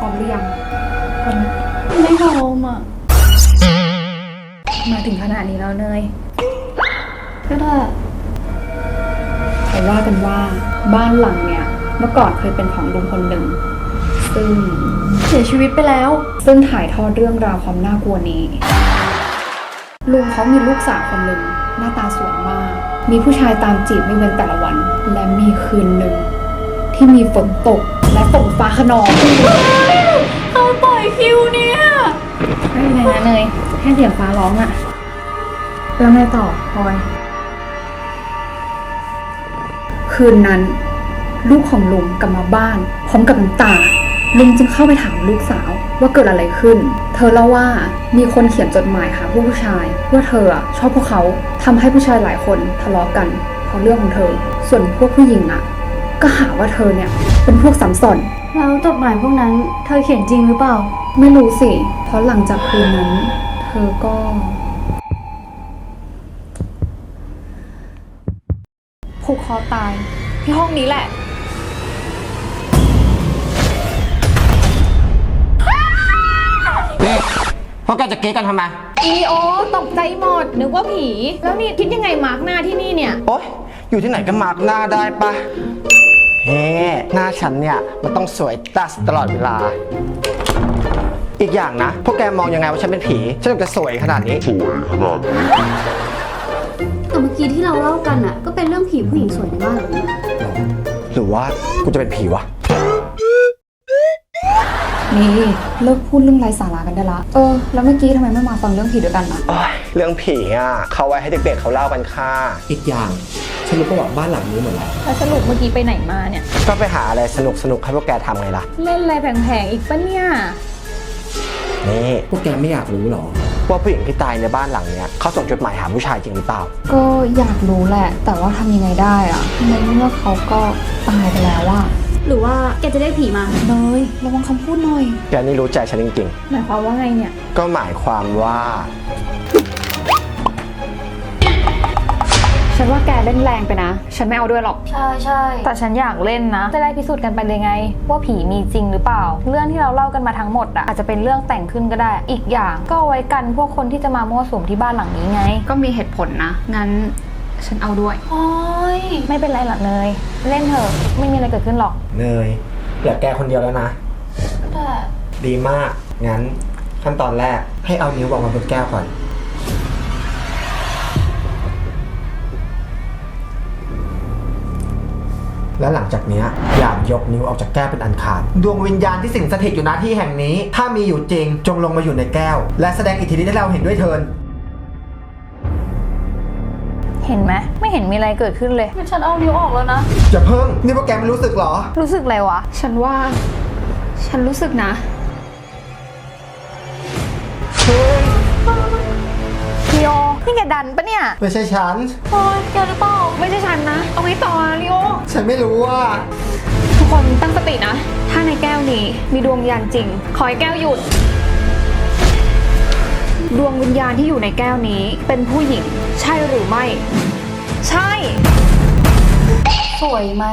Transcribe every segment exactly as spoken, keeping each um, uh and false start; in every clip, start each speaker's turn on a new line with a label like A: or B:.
A: ร้อมหรือยังพร้อม
B: ไม่พร้อมอ่ะ
A: มาถึงขนาดนี้แล้วเนย
B: ก็ได้
A: เขาว่ากันว่าบ้านหลังเนี่ยเมื่อก่อนเคยเป็นของลุงคนหนึ่งซึ่ง
B: เสียชีวิตไปแล้ว
A: ซึ่งถ่ายทอดเรื่องราวความน่ากลัวนี้ลุงเขามีลูกสาวคนหนึ่งหน้าตาสวยมาก มีผู้ชายตามจีบไม่เว้นแต่ละวัน และมีคืนหนึ่งที่มีฝนตกและฝนฟ้าขนอง
B: เขาปล่อยคิวเนี่ย
A: ไม่เป็นไรนะเนยแค่เสียงฟ้าร้องอะแล้วไงต่อพลอยคืนนั้นลูกของลุงกลับมาบ้านพร้อมกับน้ำตาลุงจึงเข้าไปถามลูกสาวว่าเกิดอะไรขึ้นเธอเล่าว่ามีคนเขียนจดหมายหาผู้ผู้ชายว่าเธอชอบพวกเขาทำให้ผู้ชายหลายคนทะเลาะกันเพราะเรื่องของเธอส่วนพวกผู้หญิงอะก็หาว่าเธอเนี่ยเป็นพวกซ้ำซ้อน
B: แล้วจดหมายพวกนั้นเธอเขียนจริงหรือเปล่า
A: ไม่รู้สิเพราะหลังจากคืนนั้นเธอก็ผูกคอตายที่ห้องนี้แหละ
C: นี่พวกแกจะเก๊กันทำไม
D: อีโอตกใจหมดนึกว่าผี แล้วนี่คิดยังไงมาร์กหน้าที่นี่เนี่ย
C: โอ๊ย อยู่ที่ไหนก็มาร์กหน้าได้ปะเฮ้หน้าฉันเนี่ยมันต้องสวยตัสตลอดเวลา อีกอย่างนะ พวกแกมองยังไงว่าฉันเป็นผี ฉันถึงจะสวยขนาดนี้
B: แต่เมื่อกี้ที่เราเล่ากันอ่ะ ก็เป็นเรื่องผีผู้หญิงสวยในบ้านหลังนี้
C: หรือว่ากูจะเป็นผีวะ
A: นี่เลิกพูดเรื่องไร้สาระกันได้ละเออแล้วเมื่อกี้ทำไมไม่มาฟังเรื่องผีด้วยกันล่ะ
C: โอ๊ย เรื่องผีอ่ะเขาไว้ให้เด็กๆเขาเล่ากันค่ะ
E: อีกอย่างฉันรู้ประวัติบ้านหลังนี้หมดแล้ว
D: แล้วสรุปเมื่อกี้ไปไหนมาเนี่ย
C: ก็ไปหาอะไรสนุกๆให้พวกแกทำไงล่ะ
D: เล่นอะไรแผลงๆอีกปะเนี่ย
C: นี่
E: พวกแกไม่อยากรู้หรอ
C: ว่าผู้หญิงที่ตายในบ้านหลังเนี้ยเขาส่งจดหมายหาผู้ชายจริงหรือเปล่า
A: ก็อยากรู้แหละ แต่ว่าทำยังไงได้อะในเมื่อเขาก็ตายไปแล้วอะ
B: หรือว่าแกจะได้ผีมา
A: เนยระวังคำพูดหน่อย
C: แกนี่รู้ใจฉันจริง
D: หมายความว่าไงเนี่ย
C: ๆ ก็หมายความว่า
A: ฉันว่าแกเล่นแรงไปนะ ฉันไม่เอาด้วยหรอก
B: ใช่ใช่
D: แต่ฉันอยากเล่นนะ จะได้พิสูจน์กันไปเลยไง ว่าผีมีจริงหรือเปล่า เรื่องที่เราเล่ากันมาทั้งหมดอะอาจจะเป็นเรื่องแต่งขึ้นก็ได้ อีกอย่างก็เอาไว้กันพวกคนที่จะมามั่วสุมที่บ้านหลังนี้ไง
A: ก็มีเหตุผลนะ งั้นฉันเอาด้วย
B: โอ้ย
D: ไม่เป็นไรหรอกเนย เล่นเถอะ ไม่มีอะไรเกิดขึ้นหรอก
C: เนยเหลือแกคนเดียวแล้วนะ
B: แต่
C: ดีมาก งั้นขั้นตอนแรกให้เอานิ้ววางบนแก้วก่อน แล้วหลังจากนี้อย่ายกนิ้วออกจากแก้วเป็นอันขาด ดวงวิญญาณที่สิงสถิตอยู่ณที่แห่งนี้ ถ้ามีอยู่จริงจงลงมาอยู่ในแก้ว และแสดงอิทธิฤทธิ์ให้เราเห็นด้วยเถิด
D: เห็นไหมไม่เห็นมีอะไรเกิดขึ้นเลย
B: งั้นฉันเอานิ้วออกแล้วนะ
C: อย่าเพิ่ง นี่พวกแกไม่รู้สึกเหรอ
D: รู้สึกอะไรวะ
A: ฉันว่า ฉันรู้สึกนะ
D: พี่โอนี่แกดันปะเนี่ย
C: ไม่ใช่ฉัน
B: โอ้ยแกหรือเปล่า
A: ไม่ใช่ฉันนะ เอาไงต่ออะลิโอ
C: ฉันไม่รู้ว่า
A: ทุกคนตั้งสตินะ ถ้าในแก้วนี้มีดวงวิญญาณจริง ขอให้แก้วหยุด ดวงวิญญาณที่อยู่ในแก้วนี้เป็นผู้หญิง ใช่หรือไม่ ใช่
B: สวยไหม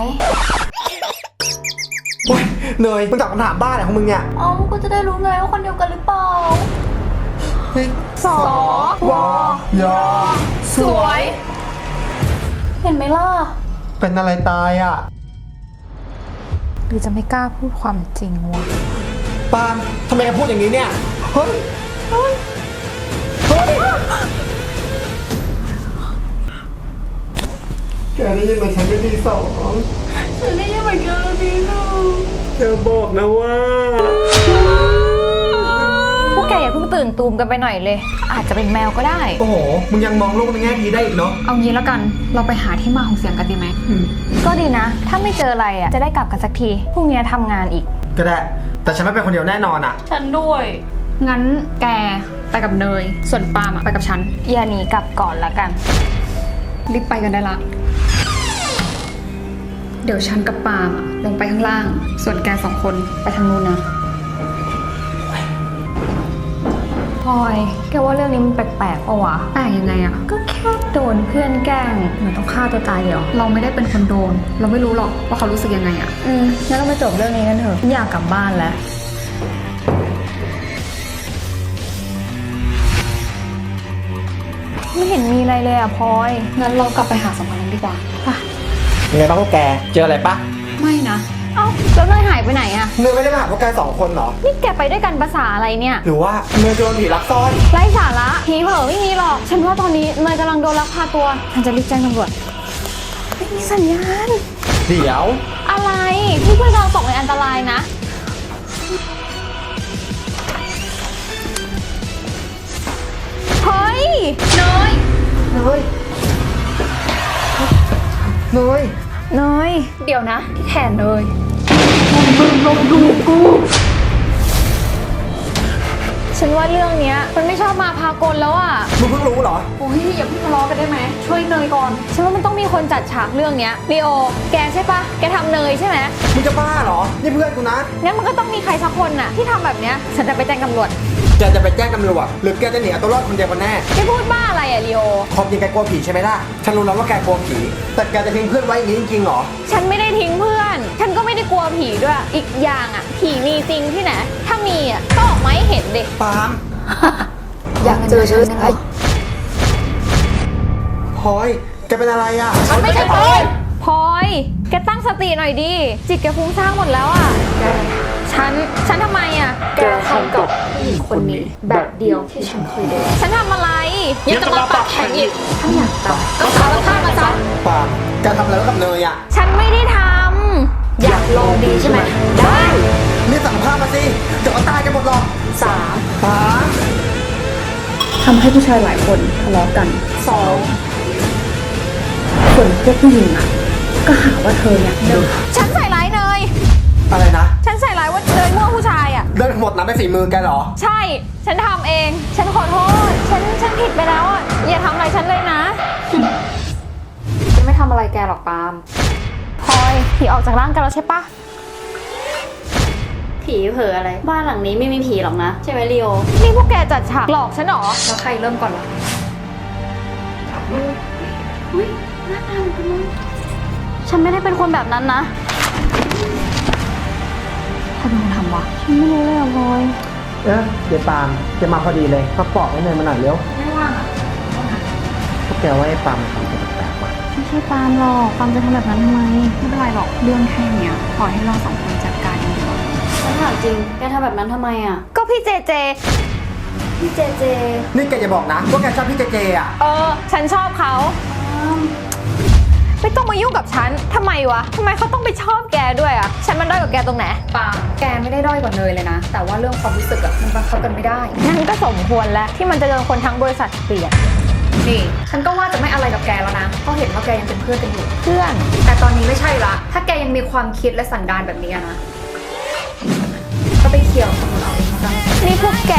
C: โอ๊ยเนยมึงตอบคำถามบ้าอะไรของมึงเนี่ย
B: เอ้าก็จะได้รู้ไงว่าคนเดียวกันหรือเปล่า
D: สอ
C: วอยอ
D: สวย
B: เห็นไหมล่ะ
C: เป็นอะไรตายอ่ะ
D: หรือจะไม่กล้าพูดความจริงวะ
C: ปาล์มทำไมแกพูดอย่างนี้เนี่ย เฮ้ย เฮ้ย เฮ้ย แกได้ยินไหมฉันเป็นที่สอง
B: ฉันได้ยินเหมือนกันแล้วพี่หนู
C: เธอบอกนะว่า
D: พวกแกอย่าเพิ่งตื่นตูมกันไปหน่อยเลย อาจจะเป็นแมวก็ได้
C: โอ้โห มึงยังมองโลกในแง่ดีได้อีกเนาะ
A: เอางี้แล้วกัน เราไปหาที่มาของเสียงกันดีไหม
D: ก็ดีนะ ถ้าไม่เจออะไรอ่ะ จะได้กลับกันสักที พรุ่งนี้ทำงานอีก
C: ก็ได้ แต่ฉันไม่เป็นคนเดียวแน่นอนอ่ะ
B: ฉันด้วย
A: งั้นแกไปกับเนย ส่วนปาล์มอะไปกับฉัน
D: อย่าหนีกลับก่อนละกัน
A: รีบไปกันได้ละ เดี๋ยวฉันกับปาล์มอะลงไปข้างล่าง ส่วนแกสองคนไปทางนู้นนะ
D: พลอย แกว่าเรื่องนี้มันแปลกๆปะวะ
A: แปลกยังไงอะ
D: ก็แค่โดนเพื่อนแกล้งเหมือนต้องฆ่าตัวตายเหรอ
A: เราไม่ได้เป็นคนโดน เราไม่รู้หรอกว่าเขารู้สึกยังไงอะ
D: อืมงั้นเราไปจบเรื่องนี้กันเถอะอยากกลับบ้านแล้วไม่เห็นมีอะไรเลยอะพลอย
A: งั้นเรากลับไปหาสองคนนั้นดีกว่าป่ะ
C: ยังไงบ้างพวกแก เจออะไรปะ
A: ไม่นะ
D: เอ้าแล้วเนยหายไปไหนอะ
C: เนยไม่ได้มาหาพวกแกสองคนเหรอ
D: นี่แกไปด้วยกันภาษาอะไรเนี่ย
C: หรือว่าเนยโดนผีลักซ่อน
D: ไร้สาระผีเผลอไม่มีหรอก ฉันว่าตอนนี้เนยกำลังโดนลักพาตัว ฉันจะรีบแจ้งตำรวจไม่มีสัญญาณ
C: เดี๋ยว
D: อะไรพี่เพื่อนเราตกในอันตรายนะ เฮ้ยเนย
C: เนย เนย
D: เนยเดี๋ยวนะ ที่แขนเนยฉันว่าเรื่องเนี้ยมันไม่ชอบมาพากลแล้วอะ
C: มึงเพิ่งรู้เหรอ
A: โอ้ยอย่าเพิ่งทะเลาะกันได้ไหม ช่วยเนยก่อน
D: ฉันว่ามันต้องมีคนจัดฉากเรื่องเนี้ยลีโอ แกใช่ปะแกทำเนยใช่ไหม
C: มึงจะบ้าเหรอ นี่เพื่อนกูนะ
D: งั้นมันก็ต้องมีใครสักคนน่ะที่ทำแบบเนี้ยฉันจะไปแจ้งตำรวจ
C: แกจะไปแจ้งตำรวจหรือแกจะหนีเอาตัวรอดคนเดียวกันแน่
D: แกพูดบ้าอะไรอะลีโอ
C: ความจริงแกกลัวผีใช่ไหมล่ะ ฉันรู้แล้วว่าแกกลัวผี แต่แกจะทิ้งเพื่อนไว้อย่างนี้จริงๆเหรอ
D: ฉันไม่ได้ทิ้งเพื่อน ฉันก็ไม่ได้กลัวผีด้วย อีกอย่างอะผีมีจริงที่ไหน ถ้ามีอะก็ออกมาให้เห็นดิ
C: ปาล์ม
A: อยากเจอฉันไหม
C: พลอย แกเป็นอะไรอ่ะ
D: มันไม่ใช่พลอยพลอย แกตั้งสติหน่อยดิ จิตแกฟุ้งซ่านหมดแล้วอะฉัน ฉันทำไมอะ
A: แกทำกับผู้หญิงคนนี้ แบบเดียวที่ฉันเคยโดน
D: ฉันทำอะไรยังจะมาปากแข็งอีก
A: ถ้าอยากตาย
D: ก็สารภาพมาซะ
C: ปาล์มแกทำอะไรไว้กับเนยอ่ะ
D: ฉันไม่ได้ทำ
A: อยากลองดีใช่ไหม ได้
C: นี่สารภาพมาสิ เดี๋ยวก็ตายกันหมดหรอก
A: สาม
C: ปาล์ม
A: ทำให้ผู้ชายหลายคนทะเลาะกันสองส่วนพวกผู้หญิงอ่ะ ก็หาว่าเธอเนี่ยเดิน
D: ฉันใส่ร้ายเนย
C: อะไรนะ
D: ฉันใส่ร้ายว่าเนยมั่วผู้ชายอ่ะ
C: เรื่องทั้งหมดนั้นเป็นฝีมือแกเหรอ
D: ใช่ ฉันทำเอง ฉันขอโทษ ฉัน ฉันผิดไปแล้วอ่ะ อย่าทำอะไรฉันเลยนะ
A: จะไม่ทำอะไรแกหรอกปาล์ม
D: พลอยผีออกจากร่างกันแล้วใช่ปะ
B: ผีเผลออะไร บ้านหลังนี้ไม่มีผีหรอกนะ ใช่ไหมลีโอ
D: นี่พวกแกจัดฉากหลอกฉันเหรอ
A: แล้วใครเริ่มก่อนล่ะ
B: อุ้ยหน้าตาเหมือนกันเลยฉันไม่ได้เป็นคนแบบนั้นนะ
A: ใครเป็นคนทำวะ
D: ฉันไม่รู้เลยอ่ะพลอย
C: เอ๊ะเดี๋ยวปาล์มจะมาพอดีเลยมาปอกให้เนยมาหน่อยเร็ว
A: ไม่ว่างอ่ะ
C: พวกแกว่าไอ้ปาล์มมันทำตัวแปลกๆว่ะ
D: ไม่ใช่ปาล์มหรอก ปาล์มจะทำแบบนั้นทำไม
A: ไม่เป็นไรหรอก เรื่องแค่เนี้ยปล่อยให้เราสองคนจัดการเองดีกว่า
B: ฉันถามจริง แกทำแบบนั้นทำไมอ่ะ
D: ก็พี่เจเจ
B: พี่เจเจ
C: นี่แกอย่าบอกนะว่าแกชอบพี่เจเจอ่ะ
D: เออ ฉันชอบเขา ไม่ต้องมายุ่งกับฉัน ทำไมวะ ทำไมเขาต้องไปชอบแกด้วยอะฉันมันด้อยกว่าแกตรงไหน
A: ปาล์มแกไม่ได้ด้อยกว่าเนยเลยนะ แต่ว่าเรื่องความรู้สึกอะมันบังคับกันไม่ได้
D: งั้นก็สมควรแล้วที่มันจะโดนคนทั้งบริษัทเกลียด
A: นี่ ฉันก็ว่าจะไม่อะไรกับแกแล้วนะ เพราะเห็นว่าแกยังเป็นเพื่อนกันอยู่
D: เพื่อน
A: แต่ตอนนี้ไม่ใช่ละ ถ้าแกยังมีความคิดและสันดานแบบนี้อะนะ ก็ไปเคลียร์กับคนอื่นเอาเองแล้วกัน
D: นี่พวกแก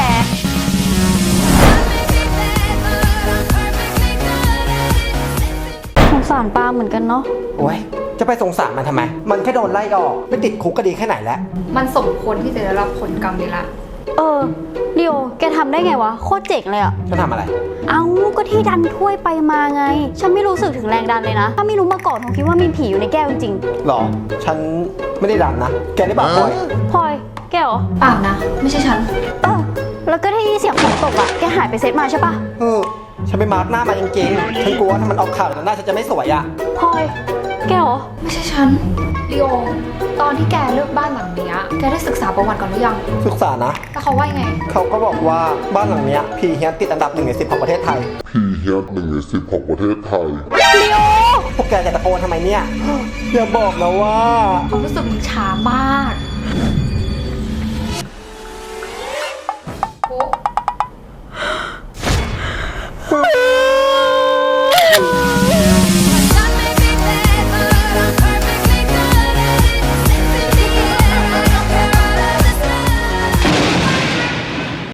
B: สงสารปาเหมือนกันเนาะ
C: โอ้ย จะไปสงสารมันทำไม มันแค่โดนไล่ออกไม่ติดคุกก็ดีแค่ไหนแล้ว
A: มันสมควรที่จะได้รับผลกรรมนี้ละ
B: เออลีโอ แกทำได้ไงวะ โคตรเจ๋งเลยอ่ะ
C: จะทำอะไร
B: เอ้าก็ที่ดันถ้วยไปมาไง ฉันไม่รู้สึกถึงแรงดันเลยนะ ถ้าไม่รู้มาก่อนคงคิดว่ามีผีอยู่ในแก้วจริง
C: หรอ ฉันไม่ได้ดันนะ แกได้บอกพลอย
B: ๆพลอย แกเหรอ
A: ปาล์มนะ ไม่ใช่ฉัน
B: เออ แล้วก็ที่เสียงฝนตกอ่ะ แกหายไปเซตมาใช่ปะ
C: เออ ฉันไปมาร์กหน้ามาจริงๆ ฉันกลัวว่าถ้ามันออกข่าวแล้วหน้าฉันจะไม่สวยอ่ะ
B: พลอย แกเหรอ
A: ไม่ใช่ฉันลีโอ ตอนที่แกเลือกบ้านหลังเนี้ยแกได้ศึกษาประวัติก่อนหรือยัง
C: ศึกษานะ
A: แล้วเขาว่ายังไง
C: เขาก็บอกว่าบ้านหลังเนี้ยผีเฮี้ยนติดอันดับหนึ่งในสิบของประเทศไทย
F: ผีเฮียนหนึ่งในสิบของประเทศไทย
C: พวกแกจะตะโกนทำไมเนี่ย อย่าบอกนะว่า
A: ความรู้สึกมันช้ามาก